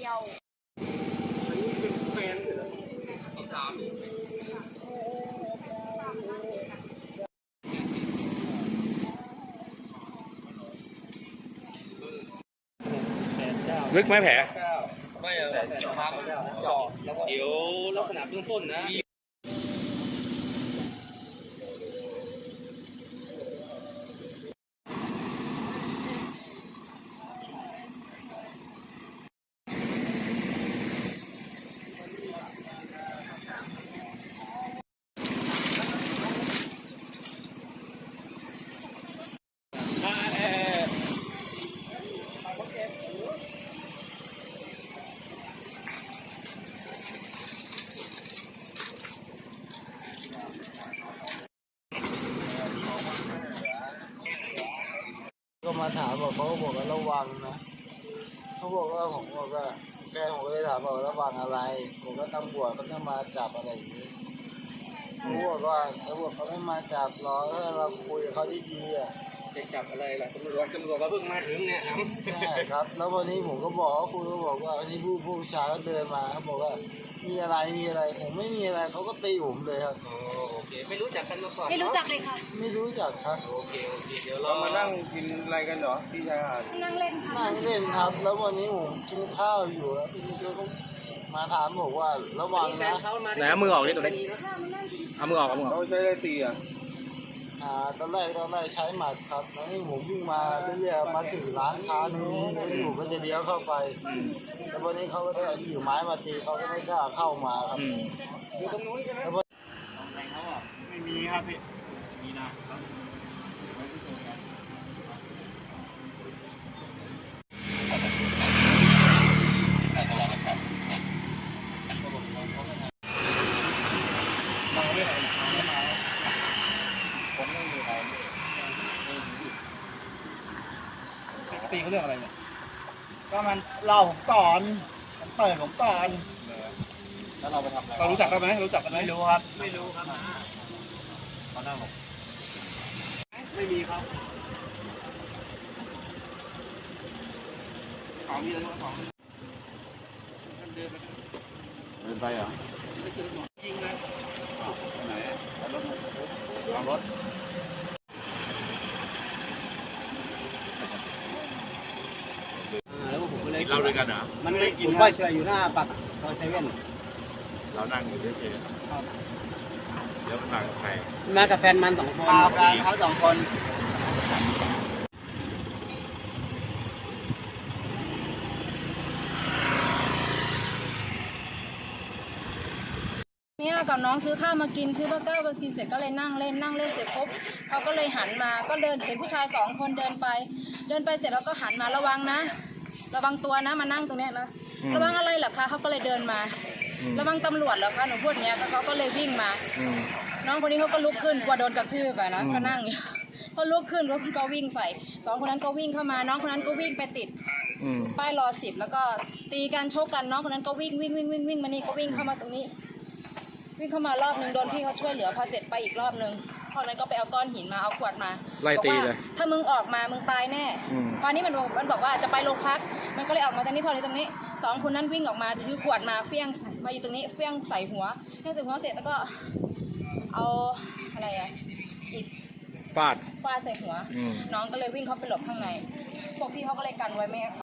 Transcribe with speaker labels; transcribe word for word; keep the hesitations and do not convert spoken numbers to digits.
Speaker 1: ดียว
Speaker 2: อันนี้เป็นแฟนเหรอที่สาม
Speaker 3: ลึกไหมแผล
Speaker 2: ไม่อะช้ำเจาะแล้วก็
Speaker 3: เดี๋ยวลักษณะเบื้องต้นนะ
Speaker 4: ก็มาถามบอกเขาบอกว่าระวังนะเขาบอกว่าผมบอกว่าแกผมก็เลยถามบอกระวังอะไรผมก็ตำรวจเขาจะมาจับอะไรอย่างนี้เขาบอกว่าตำรวจเขาไม่มาจับหรอกถ้าเราคุยกับเขาดีๆอ่ะ
Speaker 3: จะจับอะไรล่ะตำรวจตำรวจก็เพิ่งมาถึงเนี่ยครับ
Speaker 4: ใช่ครับแล้ววันนี้ผมก็บอกว่าคุณก็บอกว่าวันนี้ผู้ผู้ชายก็เดินมาเขาบอกว่ามีอะไรมีอะไรผมไม่มีอะไรเขาก็ตีผมเลยครับ
Speaker 3: โอเคไม่รู้จักกันมาก่อน
Speaker 1: ไม่รู้จักเลยค่ะ
Speaker 4: ไม่รู้จักครับ
Speaker 3: โอเคโอเคเดี๋ยว
Speaker 2: เรา
Speaker 3: เรา
Speaker 2: มานั่งกินอะไรกันเหรอที่ชายหาด
Speaker 1: นั่งเล่นค่ะ
Speaker 4: นั่งเล่นครับ แล้ววันนี้ผมกินข้าวอยู่แล้วพี่นิโก้ก็มาถามบอกว่าระวังนะ
Speaker 3: ไหนเอามือออกนี่ตัวนี้เอามือออกเอามือออก
Speaker 2: เราใช้อะไรตีอ่ะ
Speaker 4: อ่าตอนแรกตอนแรกใช้หมัดครับแล้วนี่ผมวิ่งมาเรื่อยๆมาถึงร้านค้าหนึงแล้วอยู่ก็จะเลี้ยวเข้าไปแล้ววันนี้เขาก็ได้ถือไม้มาตีเขาก็ไม่กล้าเข้ามาครับ
Speaker 3: อยู่ตรงนู้นใช่ไหม
Speaker 4: แล้ว
Speaker 3: แรงเขาอ่ะไม่มีครับพี่มีนะครับเราไม่ไหวไม่มาผมไม่มีอะไรตีเขาเรื่องอะไรเนี่ย
Speaker 4: ก็มันเล่าผมก่อนมันเปิดผมก่อน
Speaker 3: แล้วเราไปทำอะไรเรารู้จักกันไหมรู้จักกันไหม
Speaker 4: ไม่รู้ครับไม่รู้ครับ
Speaker 3: เขานั่งหรอ
Speaker 4: ไม่มีครับ
Speaker 3: ของมีอะไรบ้างของเดินไปเดินไปเหรอยิงเลยไหนรถเอารถ
Speaker 4: แล้วผมก็เลย
Speaker 3: เราด้วยกันเหรอ
Speaker 4: มันไม่กินว่าเฉยอยู่หน้าปากซอยเซเว่น
Speaker 3: เรานั่งอยู่เฉยๆแล้วมันมากับใคร
Speaker 4: มากับแฟนมันสองคนมากันเขาสองคน
Speaker 1: เนี่ยกับน้องซื้อข้าวมากินซื้อเบอร์เกอร์มากินเสร็จก็เลยนั่งเล่นนั่งเล่นเสร็จปุ๊บเขาก็เลยหันมาก็เดินเห็นผู้ชายสองคนเดินไป เดินไปเสร็จแล้วก็หันมาระวังนะระวังตัวนะมานั่งตรงนี้นะระวังอะไรเหรอคะเขาก็เลยเดินมาระวังตำรวจเหรอคะหนูพูดอย่างเงี้ยเขาก็เลยวิ่งมาน้องคนนี้เขาก็ลุกขึ้นกลัวโดนกระทืบไปนะก็นั่งอยู่เขาลุกขึ้นรถก็วิ่งใส่สองคนนั้นก็วิ่งเข้ามาน้องคนนั้นก็วิ่งไปติดป้ายรอสิบแล้วก็ตีกันโชกกันน้องคนนั้นก็วิ่งวิ่งวิ่งวิ่งวิ่งมานี่ก็วิ่งเข้ามาตรงนี้วิ่งเข้ามารอบนึงโดนพี่เขาช่วยเหลือพอเสร็จไปอีกรอบนึงตอนนั้นก็ไปเอาก้อนหินมาเอาขวดมา
Speaker 3: ไล่ตีเลย
Speaker 1: ถ้ามึงออกมามึงตายแน่ตอนนี้มันมันบอกว่าจะไปโรงพักมันก็เลยออกมาตรงนี้พอในตรงนี้สองคนนั้นวิ่งออกมาถือขวดมาเฟี้ยงมาอยู่ตรงนี้เฟี้ยงใส่หัวเฟี้ยงใส่หัวเสร็จแล้วก็เอาอะไรอะอิฐ
Speaker 3: ฟาด
Speaker 1: ฟาดใส่หัวน้องก็เลยวิ่งเข้าไปหลบข้างในพวกพี่เขาก็เลยกันไว้ไม่ให้